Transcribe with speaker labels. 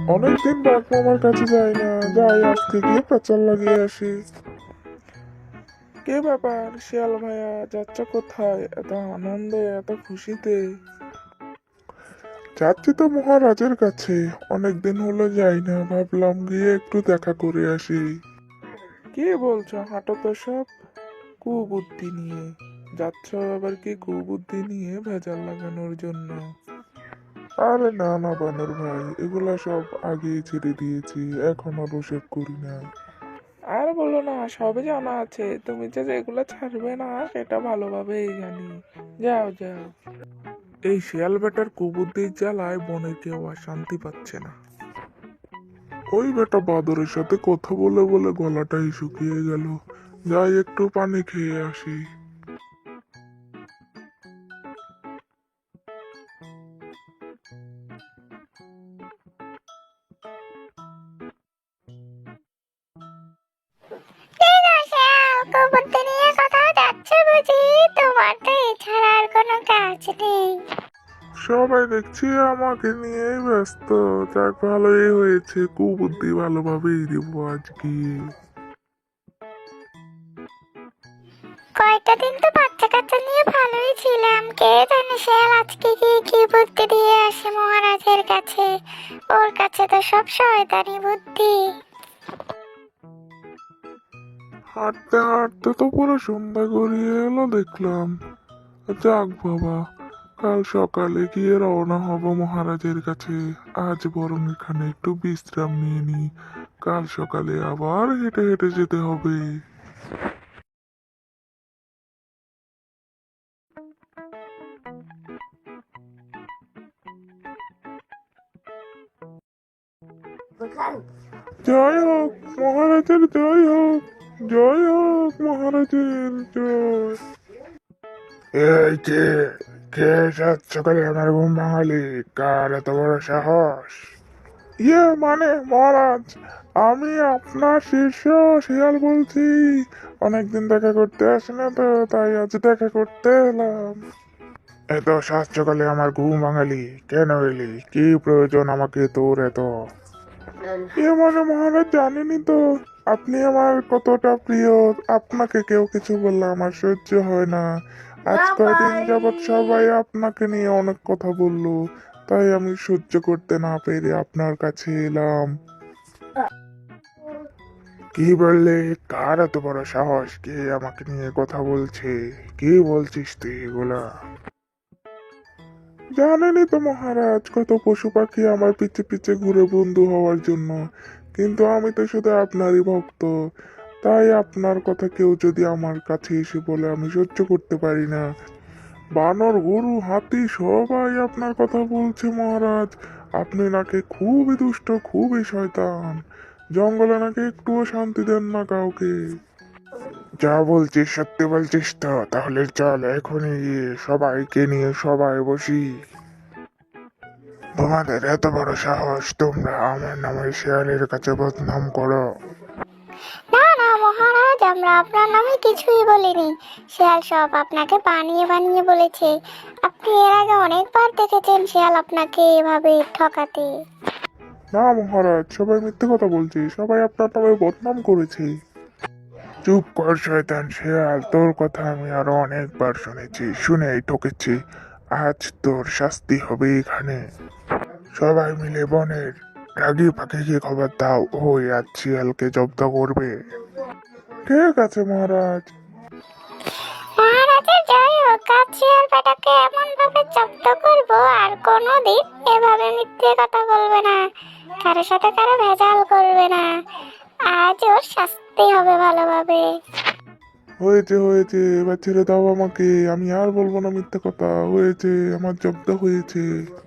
Speaker 1: অনেকদিন বাঘ মামার কাছে যাই না, যাই আজকে গিয়ে পেঁচাল লাগিয়ে আসি। কে ব্যাপার শিয়াল ভাইয়া, যাচ্ছ কোথায় এত আনন্দে এত খুশিতে? যাচ্ছি তো মহারাজের কাছে, অনেকদিন হলো যাই না, ভাবলাম গিয়ে একটু দেখা করে আসি। কি বলছো, হাঁটো তো সব কুবুদ্ধি নিয়ে যাচ্ছ, আবার কি কুবুদ্ধি নিয়ে ভেজাল লাগানোর জন্য? আরে না না বানর ভাই, এগুলা সব আগেই ছেড়ে দিয়েছি, এখন আর ওসব করি না। আর বলো না, সবই জানা আছে, তুমি যে এগুলা ছাড়বে না সেটা ভালোভাবেই জানি। যাও যাও। এই শিয়াল বেটার কুবুদ্ধির জ্বালায় বনে কেউ আর শান্তি পাচ্ছে না। ওই বেটা বাদরের সাথে কথা বলে বলে গলাটাই শুকিয়ে গেল, যাই একটু পানি খেয়ে আসি।
Speaker 2: ঠিক আছে, কুকুরদের নিয়ে কোথাও যাচ্ছে বুঝি? তোমার তো এছাড়া আর কোনো কাজ নেই।
Speaker 1: সবাই দেখছি আমাকে নিয়েই ব্যস্ত, যাক ভালোই হয়েছে, কুবুদ্ধি ভালোভাবেই দিব আজকে।
Speaker 2: কয়েকটা দিন তো বাচ্চা কাচ্চা নিয়ে ভালোই ছিলাম, কে জানে শিয়াল আজকে গিয়ে কি বুদ্ধি দিয়ে আসে মহারাজের কাছে। ওর কাছে তো সব শয়তানি বুদ্ধি।
Speaker 1: হাঁটতে হাঁটতে তো পুরো সন্ধ্যা গড়িয়ে এলো দেখলাম। যাক বাবা, কাল সকালে গিয়ে রওনা হব মহারাজের কাছে। আজ বরং এখানে একটু বিশ্রাম নিয়ে নি, কাল সকালে আবার হেঁটে হেঁটে যেতে হবে। জয় হোক মহারাজের, জয় হোক, জয় হোক মহারাজের জয়। এই যে, কে সাত সকালে আমার ঘুম ভাঙালি, কার এত বড় সাহস? মানে মহারাজ, আমি আপনার শিষ্য শিয়াল বলছি। অনেকদিন দেখা করতে আসি না তো, তাই আজ দেখা করতে এলাম। এত সাত সকালে আমার ঘুম ভাঙালি কেন এলি? কি প্রয়োজন আমাকে তোর এত? মানে মহারাজ, জানেনই তো আপনি আমার কতটা প্রিয়। আপনাকে কেউ কিছু বললে আমার সহ্য হয় না। আজ কয়দিন যাবৎ সবাই আপনাকে নিয়ে অনেক কথা বললো, তাই আমি সহ্য করতে না পেরে আপনার কাছে এলাম। কি বললে? কার এত বড় সাহস? কে আমাকে নিয়ে কথা বলছে? কি বলছিস তুই এগুলা? জানেনই তো মহারাজ, কত পশু পাখি আমার পিছে পিছে ঘুরে বন্ধু হওয়ার জন্য, কিন্তু আমি তো শুধু আপনারই ভক্ত। তাই আপনার কথা কেউ যদি আমার কাছে এসে বলে আমি সহ্য করতে পারি না। বানর, গরু, হাতি সবাই আপনার কথা বলছে মহারাজ। আপনি নাকি খুবই দুষ্ট, খুবই শয়তান, জঙ্গলে নাকি একটুও শান্তি দেন না কাউকে। যা বলছিস সত্যি বলছিস তো? তাহলে চল এখনই গিয়ে সবাইকে নিয়ে সবাই বসি। তোমাদের এত বড় সাহস, তোমরা আমার নামে শিয়ালের কাছে বদনাম করো?
Speaker 2: না না মহারাজ, আমরা আপনার নামে কিছুই বলিনি। শিয়াল সব আপনাকে বানিয়ে বানিয়ে বলেছে। আপনি এর আগে অনেকবার দেখেছেন শিয়াল আপনাকে এভাবে ঠকাতে।
Speaker 1: না মহারাজ, সবাই মিথ্যে কথা বলছে, সবাই আপনার নামে বদনাম করেছে। চুপ কর শয়তান শিয়াল, তোর কথা আমি আরো অনেকবার শুনেছি, শুনেই ঠকেছি। আজ তোর শাস্তি হবে এখানে। সবাই মিলে বনের রাগী পাখিকে খবর দাও, ওই আজ শিয়ালকে জব্দ করবে। ঠিক আছে মহারাজ।
Speaker 2: মহারাজের জয় হোক, আজ শিয়াল বেটাকে এমন ভাবে জব্দ করবো আর কোনোদিন এভাবে মিথ্যে কথা বলবে না, কারো সাথে কারো ভেজাল করবে না। আজ ওর শাস্তি হবে ভালোভাবে।
Speaker 1: হয়েছে হয়েছে, এবার ছেড়ে দাও আমাকে, আমি আর বলবো না মিথ্যে কথা। হয়েছে, আমার জব্দ হয়েছে।